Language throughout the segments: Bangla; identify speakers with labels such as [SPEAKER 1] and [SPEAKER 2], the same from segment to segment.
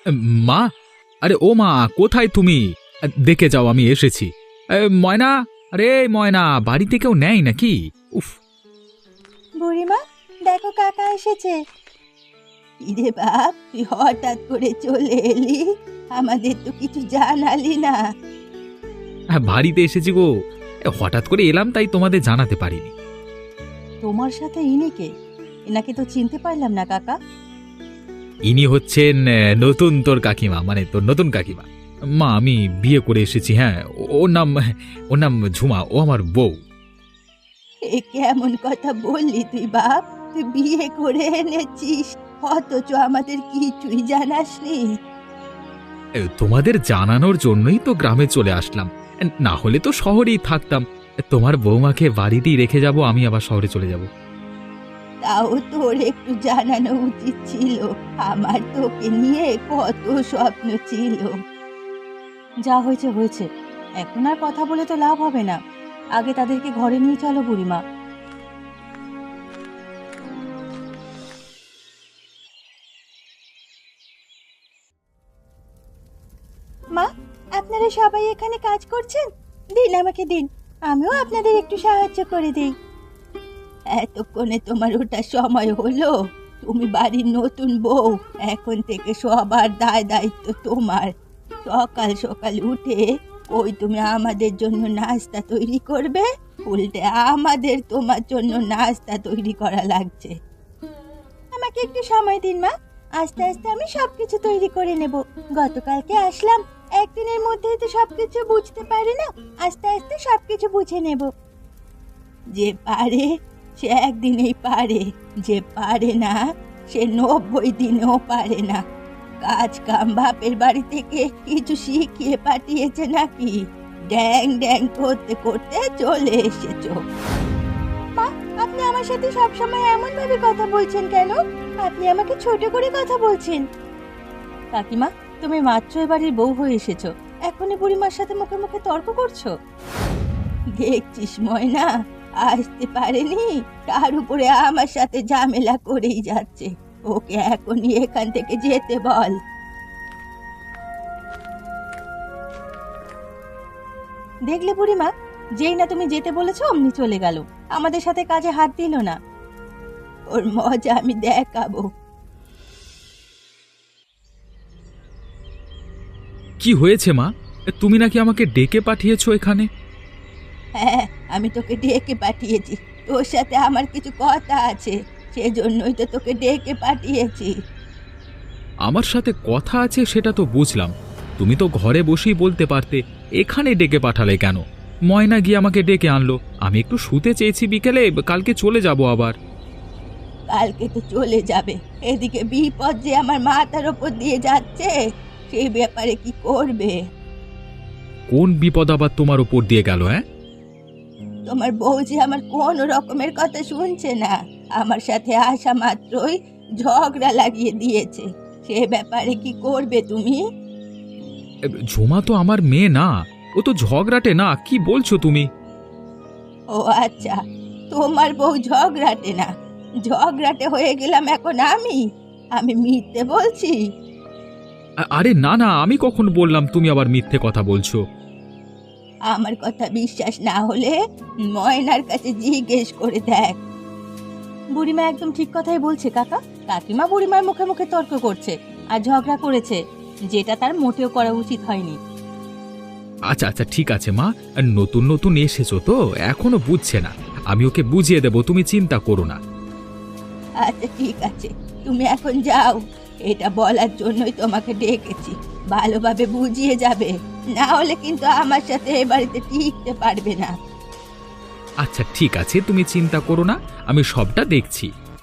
[SPEAKER 1] মা, আরে ও মা, কোথায় তুমি? দেখে যাও আমি এসেছি। ময়না, আরে ময়না, বাড়িতে কেউ নেই নাকি? উফ।
[SPEAKER 2] বুড়িমা, দেখো কাকা এসেছে। ইরে বাপ, তুই হঠাৎ করে চলে এলি, আমাদের তো কিছু জানালি না।
[SPEAKER 1] হ্যাঁ, বাড়িতে এসেছি গো। হঠাৎ করে এলাম, তাই তোমাদের জানাতে পারিনি।
[SPEAKER 2] তোমার সাথে ইনি কে? এনাকে তো চিনতে পারলাম না কাকা।
[SPEAKER 1] ইনি হচ্ছেন নতুন তোর কাকিমা, মানে তোর নতুন কাকিমা। মা, আমি বিয়ে করে এসেছি। হ্যাঁ, ওর নাম ঝুমা, ও আমার বউ।
[SPEAKER 2] এ কেমন কথা বললি তুই বাপ? তুই বিয়ে করে এনেছিস, অথচ আমাদের কিছুই জানাসনি।
[SPEAKER 1] তোমাদের জানানোর জন্যই তো গ্রামে চলে আসলাম, না হলে তো শহরেই থাকতাম। তোমার বৌমাকে বাড়িতেই রেখে যাব, আমি আবার শহরে চলে যাব।
[SPEAKER 2] তাও তোর একটু জানানো উচিত ছিল, আমার তোকে নিয়ে কত স্বপ্ন ছিল। যা হয়েছে হয়েছে, এখন আর কথা বলে তো লাভ হবে না। আগে তাদেরকে ঘরে নিয়ে চলো বুড়িমা। মা, আপনারা সবাই এখানে কাজ করছেন? দিন, আমাকে দিন, আমিও আপনাদের একটু সাহায্য করে দিই। এতক্ষণে তোমার ওটা সময় হলো? তুমি বাড়ির নতুন বউ, এখন থেকে সবার দায় দায়িত্ব তোমার। সকাল সকাল উঠে ওই তুমি আমাদের জন্য নাস্তা তৈরি করবে, উল্টে আমাদের তোমার জন্য নাস্তা তৈরি করা লাগছে। আমাকে একটু সময় দিন মা, আস্তে আস্তে আমি সবকিছু তৈরি করে নেব। গতকালকে আসলাম, একদিনের মধ্যেই তো সবকিছু বুঝতে পারি না, আস্তে আস্তে সবকিছু বুঝে নেব। যে পারে সে একদিনেই পারে, যে পারে না সে 90 দিনেও পারে না। কাজ কাম বাপের বাড়ি থেকে কিছু শিখিয়ে পাঠিয়েছে নাকি? ড্যাং ড্যাং করতে করতে চলে এসেছো। মা, আপনি আমার সাথে সবসময় এমন ভাবে কথা বলছেন কেন? আপনি আমাকে ছোট করে কথা বলছেন। কাকিমা, তুমি মাত্র এবারের বউ হয়ে এসেছো, এখনই বুড়িমার সাথে মুখে মুখে তর্ক করছো? দেখছিস ময়না, আসতে পারেনি, তার উপরে আমার সাথে ঝামেলা করেই যাচ্ছে। ওকে এখনই এখান থেকে যেতে বল। দেখলে বুড়িমা, যেই না তুমি যেতে বলেছো অমনি চলে গেল, আমাদের সাথে কাজে হাত দিল না। ওর মজা আমি দেখাবো।
[SPEAKER 1] কি হয়েছে মা? তুমি নাকি আমাকে ডেকে পাঠিয়েছো এখানে?
[SPEAKER 2] হ্যাঁ, আমি তোকে ডেকে পাঠিয়েছি, তোর সাথে আমার কিছু কথা আছে, সেজন্যই তো তোকে ডেকে পাঠিয়েছি।
[SPEAKER 1] আমার সাথে কথা আছে সেটা তো বুঝলাম, তুমি তো ঘরে বসেই বলতে পারতে, এখানে ডেকে পাঠালে কেন? ময়না গিয়ে আমাকে ডেকে আনলো, আমি একটু শুতে চেয়েছি বিকেলে, কালকে চলে যাব আবার।
[SPEAKER 2] কালকে তো চলে যাবে, এদিকে বিপদ যে আমার মাথার ওপর দিয়ে যাচ্ছে, সেই ব্যাপারে কি করবে?
[SPEAKER 1] কোন বিপদ আবার তোমার উপর দিয়ে গেল? হ্যাঁ,
[SPEAKER 2] তোমার বউ যে আমার কোনো রকমের কথা শুনছে না, আমার সাথে আসা মাত্রই ঝগড়া লাগিয়ে দিয়েছে, সে ব্যাপারে কি করবে তুমি?
[SPEAKER 1] ঝুমা তো আমার মেয়ে না, ও তো ঝগড়াটে না, কি বলছো তুমি?
[SPEAKER 2] ও আচ্ছা, তোমার বউ ঝগড়াটে না, ঝগড়াটে হয়ে গেলাম এখন আমি? আমি মিথ্যে বলছি?
[SPEAKER 1] আরে না না, আমি কখন বললাম তুমি আবার মিথ্যে কথা বলছো?
[SPEAKER 2] আমার কথা বিশ্বাস না হলে ময়নার কাছে জিজ্ঞেস করে দেখ। বুড়িমা একদম ঠিক কথাই বলছে কাকা, কাকিমা বুড়িমার মুখে মুখে তর্ক করছে আর ঝগড়া করেছে, যেটা তার মোটেও করা উচিত হয়নি।
[SPEAKER 1] আচ্ছা আচ্ছা, ঠিক আছে মা, নতুন নতুন এসেছো তো এখনো বুঝছে না, আমি ওকে বুঝিয়ে দেব, তুমি চিন্তা করো না।
[SPEAKER 2] আচ্ছা ঠিক আছে, তুমি এখন যাও, এটা বলার জন্যই তোমাকে ডেকেছি, ভালোভাবে বুঝিয়ে যাবে, না হলে কিন্তু আমার সাথে এ বাড়িতে টিকতে পারবে না।
[SPEAKER 1] আচ্ছা ঠিক আছে, তুমি চিন্তা করো না, আমি সবটা দেখছি।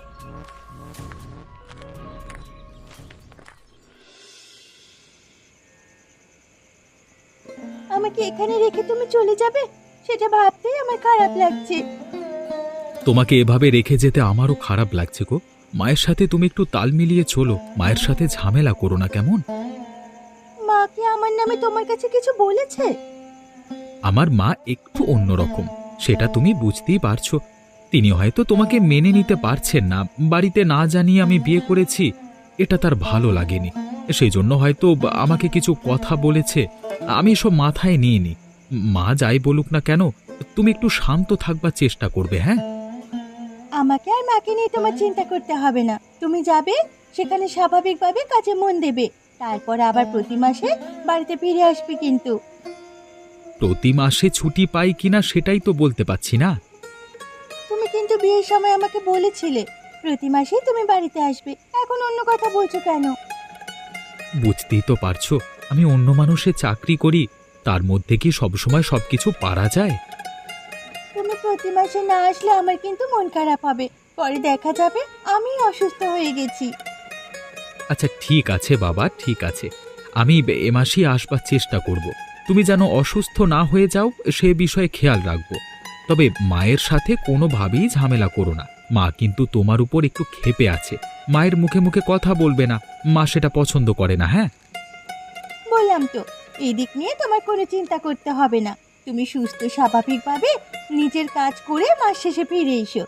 [SPEAKER 2] আমাকে এখানে রেখে তুমি চলে যাবে, সেটা ভাবতেই আমার খারাপ লাগছে।
[SPEAKER 1] তোমাকে এভাবে রেখে যেতে আমারও খারাপ লাগছে গো। মায়ের সাথে তুমি একটু তাল মিলিয়ে চলো, মায়ের সাথে ঝামেলা করো না, কেমন?
[SPEAKER 2] মা কি আমার নামে তোমার কাছে কিছু বলেছে?
[SPEAKER 1] আমার মা একটু অন্যরকম, সেটা তুমি বুঝতেই পারছো। তিনি হয়তো তোমাকে মেনে নিতে পারছেন না, বাড়িতে না জানিয়ে আমি বিয়ে করেছি, এটা তার ভালো লাগেনি। সেই জন্য হয়তো আমাকে কিছু কথা বলেছে। আমি এসব মাথায় নিইনি। মা যাই বলুক না কেন, তুমি একটু শান্ত থাকবার চেষ্টা করবে, হ্যাঁ?
[SPEAKER 2] আমাকে আর মাকে নিয়ে তোমার চিন্তা করতে হবে না। তুমি যাবে, সেখানে স্বাভাবিকভাবে কাজে মন দেবে, তারপর আবার প্রতি মাসে বাড়িতে ফিরে আসবে কিন্তু।
[SPEAKER 1] প্রতি মাসে ছুটি পাই কিনা সেটাই তো বলতে পারছি না।
[SPEAKER 2] তুমি কিন্তু বিয়ের সময় আমাকে বলেছিলে প্রতি মাসেই তুমি বাড়িতে আসবে, এখন অন্য কথা বলছো কেন?
[SPEAKER 1] বুঝতেই তো পারছো, আমি অন্য মানুষের চাকরি করি, তার মধ্যে কি সবসময় সবকিছু পারা যায়?
[SPEAKER 2] তুমি প্রতি মাসে না আসলে আমার কিন্তু মন খারাপ হবে, পরে দেখা যাবে আমি অসুস্থ হয়ে গেছি।
[SPEAKER 1] আচ্ছা ঠিক আছে বাবা, ঠিক আছে, আমি এ মাসেই আসবার চেষ্টা করব। তুমি যেন অসুস্থ না হয়ে যাও সে বিষয়ে খেয়াল রাখবো। তবে মায়ের সাথে কোনোভাবেই ঝামেলা করো না। মা কিন্তু তোমার উপর একটু ক্ষেপে আছে। মায়ের মুখে মুখে কথা বলবে না, মা সেটা পছন্দ করে না, হ্যাঁ?
[SPEAKER 2] বললাম তো, এই দিক নিয়ে তোমার কোনো চিন্তা করতে হবে না। তুমি সুস্থ স্বাভাবিকভাবে নিজের কাজ করে মাস শেষে ফিরে এসো।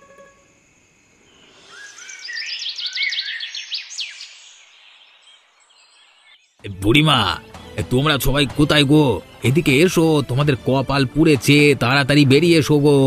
[SPEAKER 1] বুড়িমা, তোমরা সবাই কোথায় গো? এদিকে এসো, তোমাদের কপাল পুড়েছে, তাড়াতাড়ি বেরিয়ে এসো গো।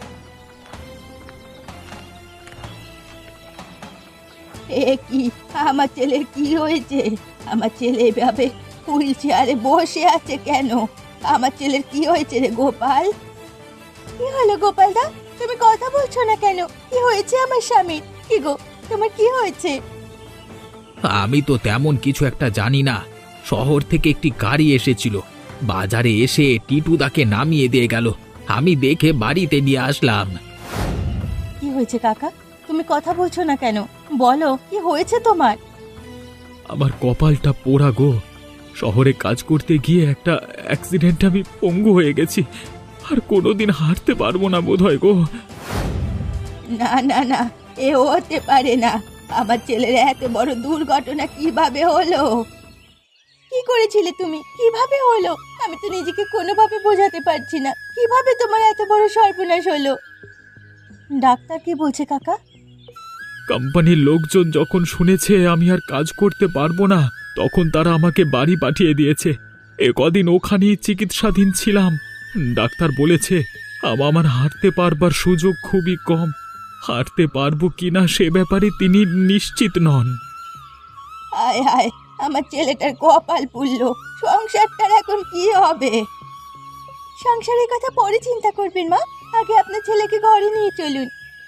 [SPEAKER 2] এ কি, আমার ছেলের কি হয়েছে? আমার ছেলে এভাবে হুইল চেয়ারে বসে আছে কেন? আমার ছেলের কি হয়েছে রে গোপাল? কি হলো গোপাল দা, তুমি কথা বলছো না কেন? কি হয়েছে আমার স্বামীর? কি গো, তোমার কি হয়েছে?
[SPEAKER 1] আমি তো তেমন কিছু একটা জানি না। শহর থেকে একটি গাড়ি এসেছিল, বাজারে এসে টিটুদাকে নামিয়ে দিয়ে গেল। আমি দেখে বাড়িতে নিয়ে আসলাম।
[SPEAKER 2] কি হয়েছে কাকা, তুমি কথা বলছো না কেন? বলো কি হয়েছে তোমার?
[SPEAKER 1] আমার কপালটা পোড়া গো। শহরে কাজ করতে গিয়ে একটা অ্যাক্সিডেন্ট, আমি পঙ্গু হয়ে গেছি। আর কোনোদিন হাঁটতে পারবো না বোধহয় গো।
[SPEAKER 2] না না না, এ হতে পারে না। আমার ছেলের এত বড় দুর্ঘটনা কিভাবে হলো? কি করেছিলে তুমি? কিভাবে হলো? আমি তো নিজেকে কোনোভাবে বোঝাতে পারছি না, কিভাবে তোমার এত বড় সর্বনাশ হলো? ডাক্তার কি বলছে কাকা?
[SPEAKER 1] কোম্পানির লোকজন যখন শুনেছে আমি আর কাজ করতে পারবো না, তখন তারা আমাকে বাড়ি পাঠিয়ে দিয়েছে। এ কদিন ওখানেই চিকিৎসাধীন ছিলাম। ডাক্তার বলেছে আমার হাঁটতে পারবার সুযোগ খুবই কম। হাঁটতে পারবো কিনা সে ব্যাপারে তিনি নিশ্চিত নন।
[SPEAKER 2] হায় হায়, আমার ছেলেটার কপাল পুড়লো। সংসারটার এখন কি হবে? সংসারের কথা পরে চিন্তা করবেন মা, আগে আপনার ছেলেকে ঘরে নিয়ে চলুন।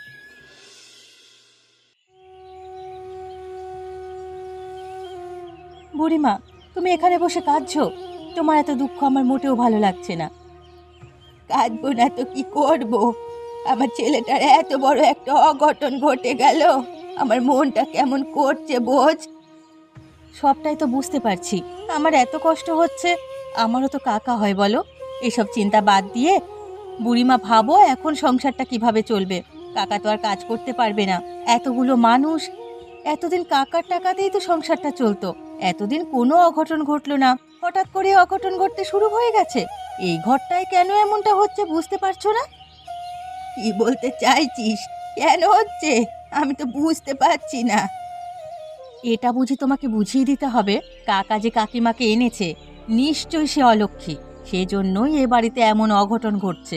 [SPEAKER 2] বুড়িমা, তুমি এখানে বসে কাঁদছো? তোমার এত দুঃখ আমার মোটেও ভালো লাগছে না। কাঁদবো না তো কি করব? আমার ছেলেটার এত বড় একটা অঘটন ঘটে গেল, আমার মনটা কেমন করছে বোঝ। সবটাই তো বুঝতে পারছি, আমার এত কষ্ট হচ্ছে। আমারও তো কাকা হয় বলো। এসব চিন্তা বাদ দিয়ে বুড়িমা ভাবো এখন সংসারটা কিভাবে চলবে। কাকা তো আর কাজ করতে পারবে না, এতগুলো মানুষ। এতদিন কাকার টাকাতেই তো সংসারটা চলতো, এতদিন কোনো অঘটন ঘটলো না, হঠাৎ করে অঘটন ঘটতে শুরু হয়ে গেছে। এই ঘরটায় কেন এমনটা হচ্ছে বুঝতে পারছো না? কি বলতে চাইছিস? কেন হচ্ছে আমি তো বুঝতে পারছি না। এটা বুঝি তোমাকে বুঝিয়ে দিতে হবে? কাকা যে কাকিমাকে এনেছে, নিশ্চয়ই সে অলক্ষী, সেজন্যই এ বাড়িতে এমন অঘটন ঘটছে।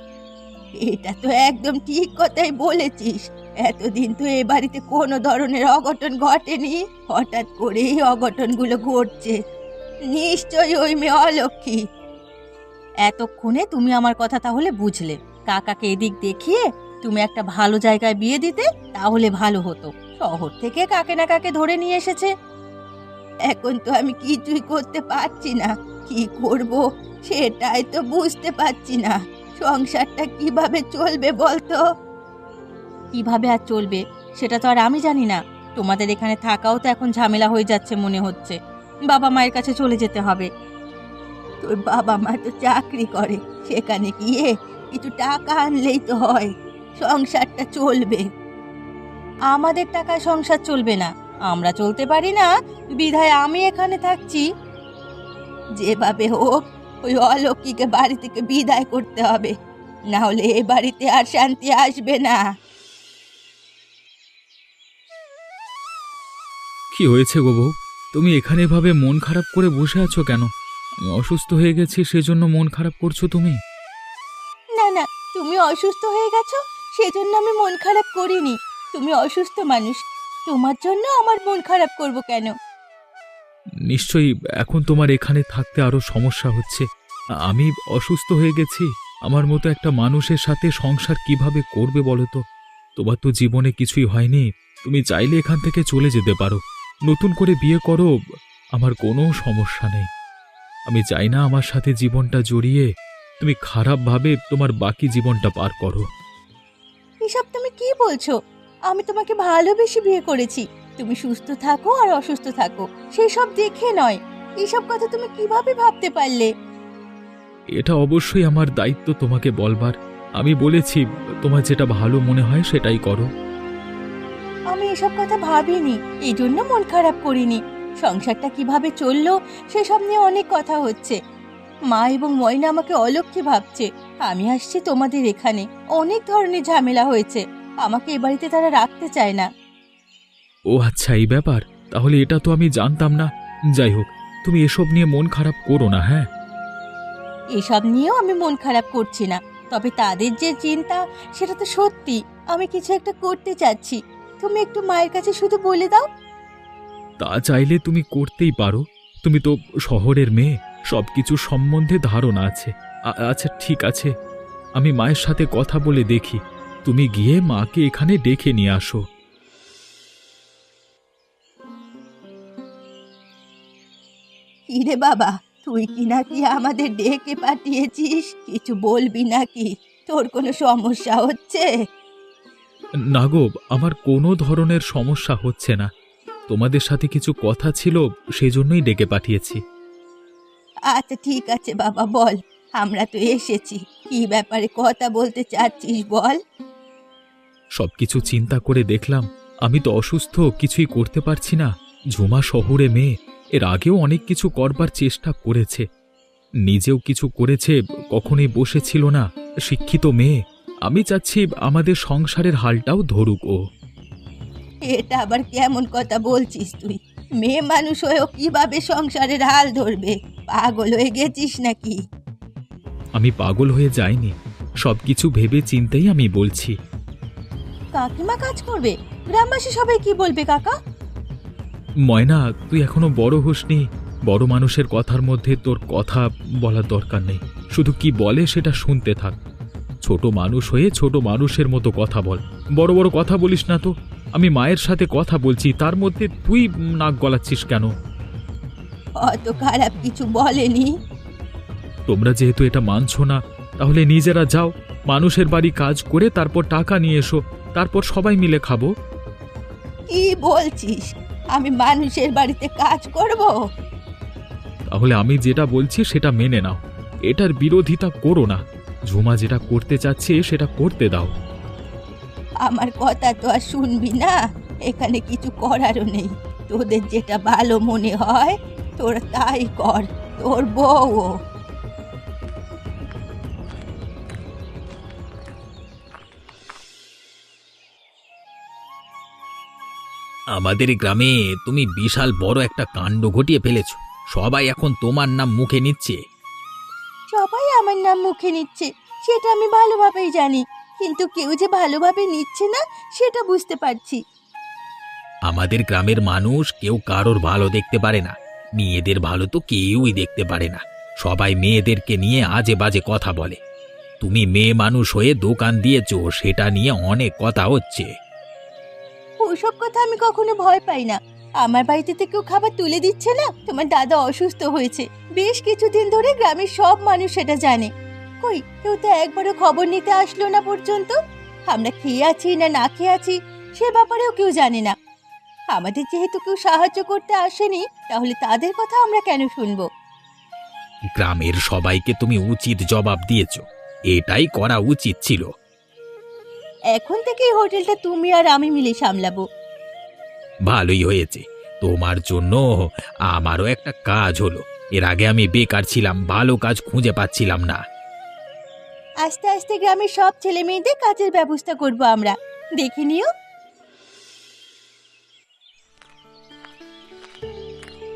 [SPEAKER 2] এটা তো একদম ঠিক কথাই বলেছিস। এতদিন তো এ বাড়িতে কোনো ধরনের অঘটন ঘটেনি, হঠাৎ করেই অঘটনগুলো ঘটছে। নিশ্চয়ই ওই মেয়ে অলক্ষী। এতক্ষণে তুমি আমার কথা তাহলে বুঝলে। কাকাকে এদিক দেখিয়ে তুমি একটা ভালো জায়গায় বিয়ে দিতে, তাহলে ভালো হতো। শহর থেকে কাকে না কাকে ধরে নিয়ে এসেছে। এখন তো আমি কিছুই করতে পারছি না, কি করব সেটাই তো বুঝতে পারছি না। সংসারটা কিভাবে চলবে বলতো? কিভাবে আর চলবে সেটা তো আর আমি জানি না। তোমাদের এখানে থাকাও তো এখন ঝামেলা হয়ে যাচ্ছে মনে হচ্ছে। বাবা মায়ের কাছে চলে যেতে হবে। তোর বাবা মা তো চাকরি করে, সেখানে গিয়ে কিছু টাকা আনলেই তো হয়, সংসারটা চলবে। আমাদের টাকায় সংসার চলবে না, আমরা চলতে পারি না, বিধায় আমি এখানে থাকছি। যেভাবে হোক ওই অলক্ষীকে বাড়ি থেকে বিদায় করতে হবে, না হলে এ বাড়িতে আর শান্তি আসবে না।
[SPEAKER 1] কি হয়েছে গো বউ? তুমি এখানে এভাবে মন খারাপ করে বসে আছো কেন? আমি অসুস্থ হয়ে গেছি সেজন্য মন খারাপ করছো তুমি?
[SPEAKER 2] না না, তুমি অসুস্থ হয়ে গেছো সেজন্য আমি মন খারাপ করিনি। তুমি অসুস্থ মানুষ, তোমার জন্য আমার মন খারাপ করব কেন?
[SPEAKER 1] নিশ্চয়ই এখন তোমার এখানে থাকতে আরো সমস্যা হচ্ছে। আমি অসুস্থ হয়ে গেছি, আমার মতো একটা মানুষের সাথে সংসার কিভাবে করবে বলো তো? তোমার তো জীবনে কিছুই হয়নি, তুমি চাইলে এখান থেকে চলে যেতে পারো, নতুন করে বিয়ে করো, আমার কোনো সমস্যা নেই। আমি চাই না আমার সাথে জীবনটা জড়িয়ে তুমি খারাপভাবে তোমার বাকি জীবনটা পার করো।
[SPEAKER 2] এসব তুমি কি বলছো? আমি তোমাকে ভালোবেসে বিয়ে করেছি। তুমি সুস্থ থাকো আর অসুস্থ থাকো সেই সব দেখে নয়। এসব কথা তুমি কিভাবে ভাবতে পারলে?
[SPEAKER 1] এটা অবশ্যই আমার দায়িত্ব তোমাকে বলবার। আমি বলেছি তোমার যেটা ভালো মনে হয় সেটাই করো।
[SPEAKER 2] আমি এসব কথা ভাবিনি, এই জন্য মন খারাপ করিনি। সংসারটা কিভাবে চললো সেসব নিয়ে অনেক কথা হচ্ছে। মা এবং ময়না আমাকে অলক্ষ্মী ভাবছে। আমি আসছি তোমাদের এখানে, অনেক ধরনের ঝামেলা হয়েছে। আমাকে এ বাড়িতে তারা রাখতে চায় না।
[SPEAKER 1] ও আচ্ছা, এই ব্যাপার। তাহলে এটা তো আমি জানতাম না। যাই হোক, তুমি এসব নিয়ে মন খারাপ করো না, হ্যাঁ?
[SPEAKER 2] এসব নিয়েও আমি মন খারাপ করছি না, তবে তাদের যে চিন্তা সেটা তো সত্যি। আমি কিছু একটা করতে চাচ্ছি, তুমি একটু মায়ের কাছে শুধু বলে দাও।
[SPEAKER 1] তা চাইলে তুমি করতেই পারো। তুমি তো শহরের মেয়ে, সবকিছু সম্বন্ধে ধারণা আছে। আচ্ছা ঠিক আছে, আমি মায়ের সাথে কথা বলে দেখি। তুমি গিয়ে মাকে এখানে ডেকে নিয়ে আসো।
[SPEAKER 2] কিরে বাবা, তুই কি নাকি আমাদের ডেকে পাঠিয়েছিস? কিছু বলবি নাকি? তোর কোনো সমস্যা হচ্ছে?
[SPEAKER 1] না গো, আমার কোনো ধরনের সমস্যা হচ্ছে না। তোমাদের সাথে কিছু কথা ছিল, সেজন্যই ডেকে পাঠিয়েছি।
[SPEAKER 2] আচ্ছা ঠিক আছে বাবা, বল। আমরা তো এসেছি, কি ব্যাপারে কথা বলতে চাচ্ছিস বল।
[SPEAKER 1] সবকিছু চিন্তা করে দেখলাম আমি তো অসুস্থ, কিছুই করতে পারছি না। ঝুমা শহুরে মেয়ে, এর আগেও অনেক কিছু করবার চেষ্টা করেছে, নিজেও কিছু করেছে, কখনোই বসেছিল না। শিক্ষিত মেয়ে, আমি চাচ্ছি আমাদের সংসারের হালটাও ধরুক ও।
[SPEAKER 2] এটা আবার কেমন কথা বলছিস তুই? মেয়ে মানুষ হয়েও কিভাবে সংসারের হাল ধরবে? পাগল হয়ে গেছিস নাকি?
[SPEAKER 1] আমি পাগল হয়ে যাইনি, সবকিছু ভেবে চিন্তেই আমি বলছি।
[SPEAKER 2] কাকিমা কাজ করবে, গ্রামবাসী সবাই কি বলবে কাকা?
[SPEAKER 1] ময়না, তুই এখনো বড় হসনি। বড় মানুষের কথার মধ্যে তোর কথা বলার দরকার নেই, শুধু কি বলে সেটা শুনতে থাক। ছোট মানুষ হয়ে ছোট মানুষের মতো কথা বল, বড় বড় কথা বলিস না তো। আমি মায়ের সাথে কথা বলছি, তার মধ্যে তুই নাক গলাচ্ছিস কেন?
[SPEAKER 2] অত খারাপ কিছু বলেনি।
[SPEAKER 1] তোমরা যেহেতু এটা মানছো না, তাহলে নিজেরা যাও, মানুষের বাড়ি কাজ করে তারপর টাকা নিয়ে এসো, তারপর সবাই মিলে খাবো।
[SPEAKER 2] কি বলছিস? আমি মানুষের বাড়িতে কাজ করব?
[SPEAKER 1] তাহলে আমি যেটা বলছি সেটা মেনে নাও, এটার বিরোধিতা করো না। ঝুমা যেটা করতে চাচ্ছে সেটা করতে দাও।
[SPEAKER 2] আমার কথা তো আর শুনবি না, এখানে কিছু করারও নেই। তোদের যেটা ভালো মনে হয় তোরা তাই কর, তোর বউ।
[SPEAKER 3] আমাদের গ্রামে তুমি বিশাল বড় একটা কাণ্ড ঘটিয়ে ফেলেছ। সবাই এখন তোমার নাম মুখে নিচ্ছে।
[SPEAKER 2] সবাই আমার নাম মুখে নিচ্ছে সেটা আমি ভালোভাবেই জানি, কিন্তু কেউ যে ভালোভাবে নিচ্ছে না সেটা বুঝতে পারছি।
[SPEAKER 3] আমাদের গ্রামের মানুষ কেউ কারোর ভালো দেখতে পারে না, মেয়েদের ভালো তো কেউই দেখতে পারে না। সবাই মেয়েদেরকে নিয়ে আজে বাজে কথা বলে। তুমি মেয়ে মানুষ হয়ে দোকান দিয়েছো, সেটা নিয়ে অনেক কথা হচ্ছে।
[SPEAKER 2] ওসব কথা আমি কখনো ভয় পাই না। আমার বাড়িতে তো কেউ খাবার তুলে দিচ্ছে না। তোমার দাদা অসুস্থ হয়েছে, বেশ কিছুদিন ধরে গ্রামের সব মানুষ সেটা জানে। কই, কেউ তো একবারও খবর নিতে আসলো না পর্যন্ত। আমরা খেয়ে আছি না না খেয়ে আছি সে ব্যাপারেও কেউ জানে না। আমাদের যেহেতু কেউ সাহায্য করতে আসেনি, তাহলে তাদের কথা আমরা কেন শুনবো?
[SPEAKER 3] গ্রামের সবাইকে তুমি উচিত জবাব দিয়েছো, এটাই করা উচিত ছিল।
[SPEAKER 2] এখন থেকে এই হোটেলটা তুমি আর আমি মিলে সামলাবো।
[SPEAKER 3] ভালোই হয়েছে, তোমার জন্য আমারও একটা কাজ হলো। এর আগে আমি বেকার ছিলাম, ভালো কাজ খুঁজে পাচ্ছিলাম না।
[SPEAKER 2] আস্তে আস্তে গ্রামের সব ছেলে মেয়েদের কাজের ব্যবস্থা করব আমরা, দেখে নিও।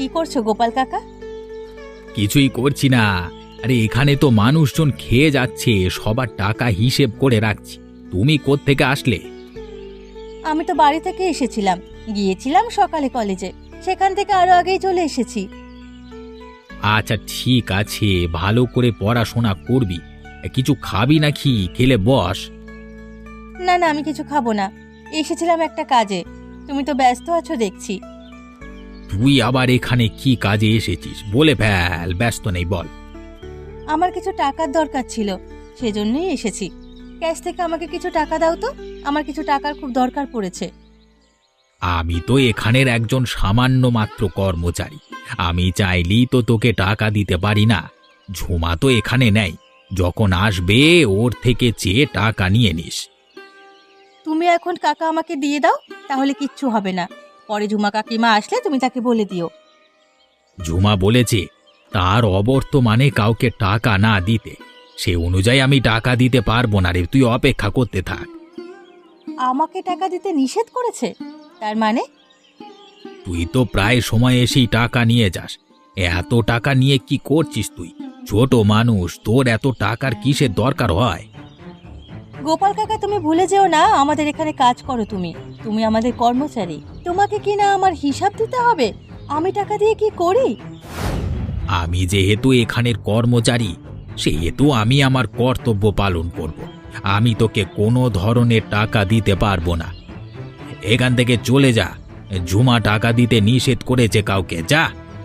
[SPEAKER 2] কি করছো গোপাল কাকা?
[SPEAKER 3] কিছুই করছি না। আরে এখানে তো মানুষজন খেয়ে যাচ্ছে, সবার টাকা হিসেব করে রাখছি। তুমি কোত্থেকে আসলে?
[SPEAKER 2] আমি তো বাড়ি থেকে এসেছিলাম, গিয়েছিলাম সকালে কলেজে, সেখান থেকে আরো আগেই চলে এসেছি।
[SPEAKER 3] আচ্ছা ঠিক আছে, ভালো করে পড়াশোনা করবি। কিছু খাবি নাকি? খেলে বস।
[SPEAKER 2] না না, আমি কিছু খাবো না, এসেছিলাম একটা কাজে। তুমি তো ব্যস্ত আছো দেখছি।
[SPEAKER 3] তুই আবার এখানে কি কাজে এসেছিস বলে ফেল। ব্যস্ত নেই, বল।
[SPEAKER 2] আমার কিছু টাকার দরকার ছিল, সেজন্যই এসেছি। ক্যাশ থেকে আমাকে কিছু টাকা দাও তো, আমার কিছু টাকার খুব দরকার পড়েছে।
[SPEAKER 3] আমি তো এখানের একজন সামান্য মাত্র কর্মচারী। আমি চাইলেই তো তোকে টাকা দিতে পারি না। ঝুমা তো এখানে নেই, যখন আসবে ওর থেকে চেয়ে টাকা নিয়ে নিস।
[SPEAKER 2] তুমি এখন কাকা আমাকে দিয়ে দাও, তাহলে কিচ্ছু হবে না। পরে ঝুমা কাকিমা আসলে তুমি তাকে বলে দিও।
[SPEAKER 3] ঝুমা বলেছে তার অবর্তমানে কাউকে টাকা না দিতে। সে অনুযায়ী আমি টাকা দিতে পারবো না রে, তুই অপেক্ষা করতে থাক।
[SPEAKER 2] আমাকে টাকা দিতে নিষেধ করেছে? তার মানে?
[SPEAKER 3] তুই তো প্রায় সময় এসেই টাকা নিয়ে যাস। এত টাকা নিয়ে কি করছিস তুই? ছোট মানুষ, তোর এত টাকার কিসের দরকার হয়?
[SPEAKER 2] গোপাল কাকা, তুমি ভুলে যেও না আমাদের এখানে কাজ করো তুমি। তুমি আমাদের কর্মচারী, তোমাকে কি না আমার হিসাব দিতে হবে আমি টাকা দিয়ে কি করি।
[SPEAKER 3] আমি যেহেতু এখানের কর্মচারী, সেহেতু আমি আমার কর্তব্য পালন করব। আমি তোকে কোনো ধরনের টাকা দিতে পারবো না। এখান থেকে চলে যা। ঝুমা টাকা দিতে নিষেধ করেছে কাউকে, যা।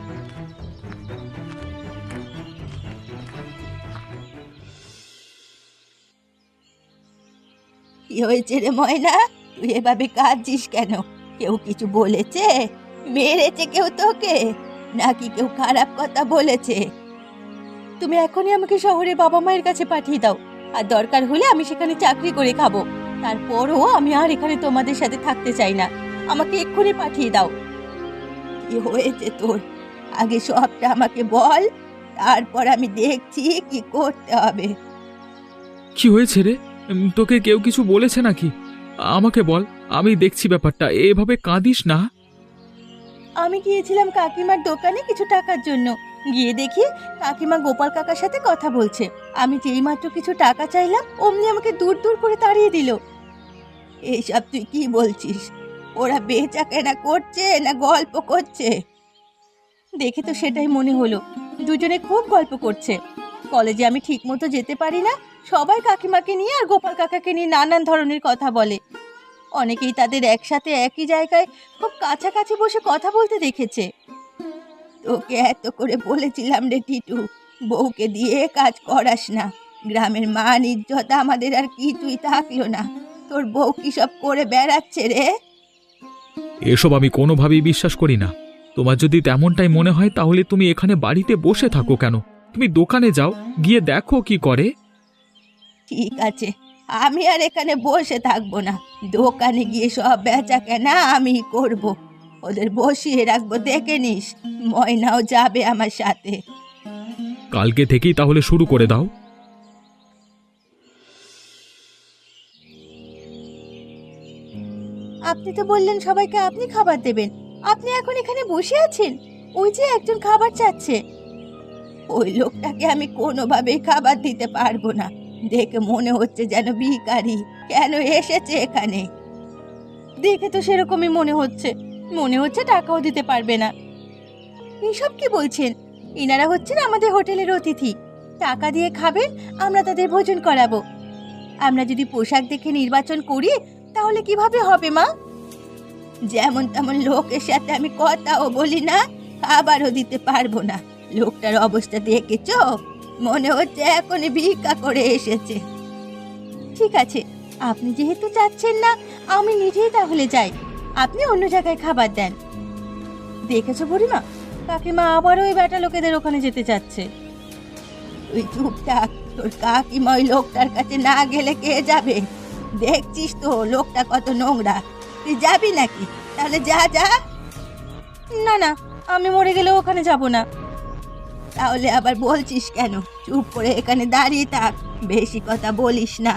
[SPEAKER 2] কি হয়েছে রে ময়না, তুই এভাবে কাঁদছিস কেন? কেউ কিছু বলেছে? মেরেছে কেউ তোকে, নাকি কেউ খারাপ কথা বলেছে? তুমি এখনই আমাকে শহরে বাবা মায়ের কাছে পাঠিয়ে দাও, আর দরকার হলে আমি সেখানে চাকরি করে খাবো। তারপরও আমি আর এখানে তোমাদের সাথে থাকতে চাই না। আমাকে এক্ষুনি পাঠিয়ে দাও। কি হয়েছে তোর? আগে সবটা আমাকে বল, তারপর আমি দেখছি কি করতে হবে।
[SPEAKER 1] কি হয়েছে রে? তোকে কেউ কিছু বলেছে নাকি? আমাকে বল, আমি দেখছি ব্যাপারটা। এভাবে কাঁদিস না।
[SPEAKER 2] আমি গিয়েছিলাম কাকিমার দোকানে কিছু টাকার জন্য, গিয়ে দেখি কাকিমা গোপাল কাকার সাথে কথা বলছে। আমি যেই মাত্র কিছু টাকা চাইলাম, অমনি আমাকে দূর দূর করে তাড়িয়ে দিল। এইসব তুই কি বলছিস? ওরা বেচা কেনা করছে না গল্প করছে? দেখে তো সেটাই মনে হলো, দুজনে খুব গল্প করছে। কলেজে আমি ঠিক মতো যেতে পারি না, সবাই কাকিমাকে নিয়ে আর গোপাল কাকাকে নিয়ে নানান ধরনের কথা বলে। অনেকেই তাদের একসাথে একই জায়গায় খুব কাছাকাছি বসে কথা বলতে দেখেছে। তোকে এত করে বলেছিলাম রে টিটু, বউকে দিয়ে কাজ করাস না। গ্রামের মান ইজ্জত আমাদের আর কিছুই থাকলো না। তোর বউ কি সব করে বেড়াচ্ছে রে?
[SPEAKER 1] এসব আমি কোনোভাবেই বিশ্বাস করি না। তোমার যদি তেমনটাই মনে হয় তাহলে তুমি এখানে বাড়িতে বসে থাকো কেন? তুমি দোকানে যাও, গিয়ে দেখো কি করে।
[SPEAKER 2] ঠিক আছে, আমি আর এখানে বসে থাকবো না। দোকানে গিয়ে সব বেচা কেনা আমি করব। ওদের বসিয়ে রাখবো, দেখে নিস। ময়নাও যাবে আমার সাথে।
[SPEAKER 1] কালকে থেকেই তাহলে শুরু করে দাও।
[SPEAKER 2] আপনি তো বললেন সবাইকে আপনি খাবার দেবেন, আপনি এখন এখানে বসে আছেন? ওই যে একজন খাবার চাচ্ছে। ওই লোকটাকে আমি কোনোভাবেই খাবার দিতে পারবো না। দেখে মনে হচ্ছে যেন ভিখারি। কেন এসেছে এখানে? দেখে তো সেরকমই মনে হচ্ছে। মনে হচ্ছে টাকাও দিতে পারবে না। এসব কি বলছেন? ইনারা হচ্ছেন আমাদের হোটেলের অতিথি। টাকা দিয়ে খাবেন, আমরা তাদের ভোজন করাবো। আমরা যদি পোশাক দেখে নির্বাচন করি তাহলে কিভাবে হবে মা? যেমন তেমন লোকের সাথে আমি কথাও বলি না, খাবারও দিতে পারবো না। লোকটার অবস্থা দেখেছো? মনে হচ্ছে এখনই ভিক্ষা করে এসেছে। ঠিক আছে, আপনি যেহেতু চাচ্ছেন না, আমি নিজেই তাহলে যাই। আপনি অন্য জায়গায় খাবার দেন। দেখেছো বুড়িমা, কাকিমা আবারও ওই বেটা লোকেদের ওখানে যেতে চাচ্ছে। তুই চুপ থাক, তোর কাকিমা ওই লোকটার কাছে না গেলে কে যাবে? দেখছিস তো লোকটা কত নোংরা। তুই যাবি নাকি? তাহলে যা যা। না না, আমি মরে গেলেও ওখানে যাব না। তাহলে আবার বলছিস কেন? চুপ করে এখানে দাঁড়িয়ে থাক, বেশি কথা বলিস না।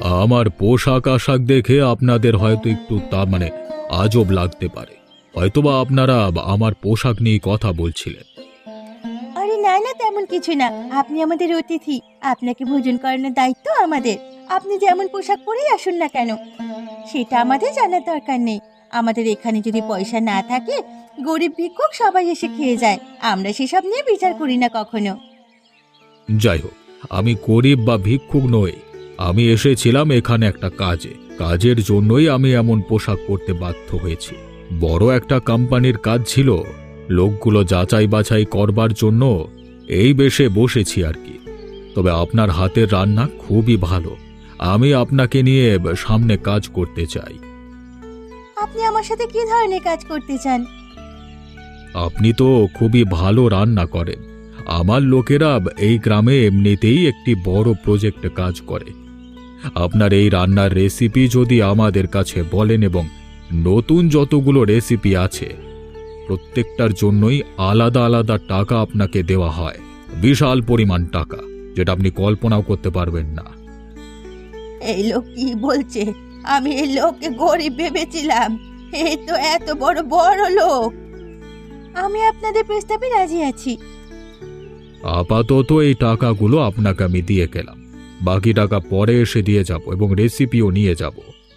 [SPEAKER 1] আমার পোশাক আশাক দেখে আপনাদের হয়তো একটু আজব লাগতে পারে। হয়তোবা আপনারা আমার পোশাক নিয়ে কথা বলছিলেন।
[SPEAKER 2] আরে না না, তেমন কিছু না। আপনি আমাদের অতিথি, আপনাকে ভোজন করানোর দায়িত্ব আমাদের। আপনি যেমন পোশাক পরেই আসুন না কেন, সেটা আমাদের জানার দরকার নেই। আমাদের এখানে যদি পয়সা না থাকে, গরিব ভিক্ষুক সবাই এসে খেয়ে যায়। আমরা সেসব নিয়ে বিচার করি না কখনো।
[SPEAKER 1] যাই হোক, আমি গরিব বা ভিক্ষুক নই। আমি এসেছিলাম এখানে একটা কাজের জন্যই আমি এমন পোশাক পরতে বাধ্য হয়েছি। বড় একটা কোম্পানির কাজ ছিল, লোকগুলো যাচাই বাছাই করবার জন্য এই বেশে বসেছি আর কি। তবে আপনার হাতের রান্না খুবই ভালো। আমি আপনাকে নিয়ে সামনে কাজ করতে চাই।
[SPEAKER 2] আপনি আমার সাথে কি ধরনের কাজ করতে চান?
[SPEAKER 1] আপনি তো খুবই ভালো রান্না করেন। আমার লোকেরা এই গ্রামে এমনিতেই একটি বড় প্রজেক্টে কাজ করে। আপনার এই রান্নার রেসিপি যদি আমাদের কাছে বলেন এবং নতুন যতগুলো রেসিপি আছে প্রত্যেকটার জন্যই আলাদা আলাদা টাকা আপনাকে দেওয়া হয়। বিশাল পরিমাণ টাকা, যেটা আপনি কল্পনাও করতে পারবেন না।
[SPEAKER 2] এই লোক কি বলছে? আমি এই লোককে গরিব ভেবেছিলাম, এই তো এত বড় বড় লোক। আমি আপনাদের প্রস্তাবে রাজি আছি।
[SPEAKER 1] আপাতত এই টাকাগুলো আপনাকে আমি দিয়ে গেলাম। বাকি টাকা পরে এসে দিয়ে যাব এবং রেসিপিও নিয়ে যাব।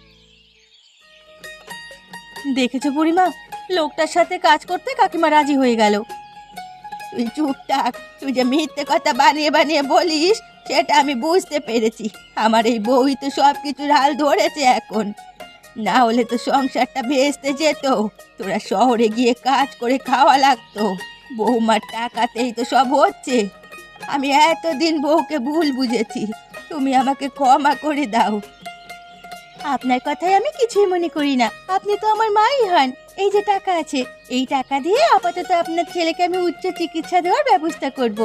[SPEAKER 2] দেখেছো বুড়িমা, লোকটার সাথে কাজ করতে কাকিমা রাজি হয়ে গেল। তুই চুপ থাক। তুই যে মিথ্যে কথা বানিয়ে বানিয়ে বলিস সেটা আমি বুঝতে পেরেছি। আমার এই বউই তো সব কিছুর হাল ধরেছে এখন। না হলে তো সংসারটা ভেস্তে যেত। তোরা শহরে গিয়ে কাজ করে খাওয়া লাগতো। বৌমার টাকাতেই তো সব হচ্ছে। আমি এতদিন বউকে ভুল বুঝেছি, তুমি আমাকে ক্ষমা করে দাও। আপনার কথায় আমি কিছুই মনে করি না। আপনি তো আমার মাই হন। এই যে টাকা আছে, এই টাকা দিয়ে আপাতত আপনার ছেলেকে আমি উচ্চ চিকিৎসা দেওয়ার ব্যবস্থা করব।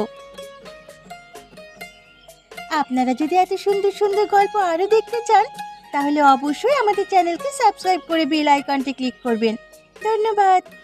[SPEAKER 2] আপনারা যদি এত সুন্দর সুন্দর গল্প আরো দেখতে চান, তাহলে অবশ্যই আমাদের চ্যানেলকে সাবস্ক্রাইব করে বেল আইকনটি ক্লিক করবেন। ধন্যবাদ।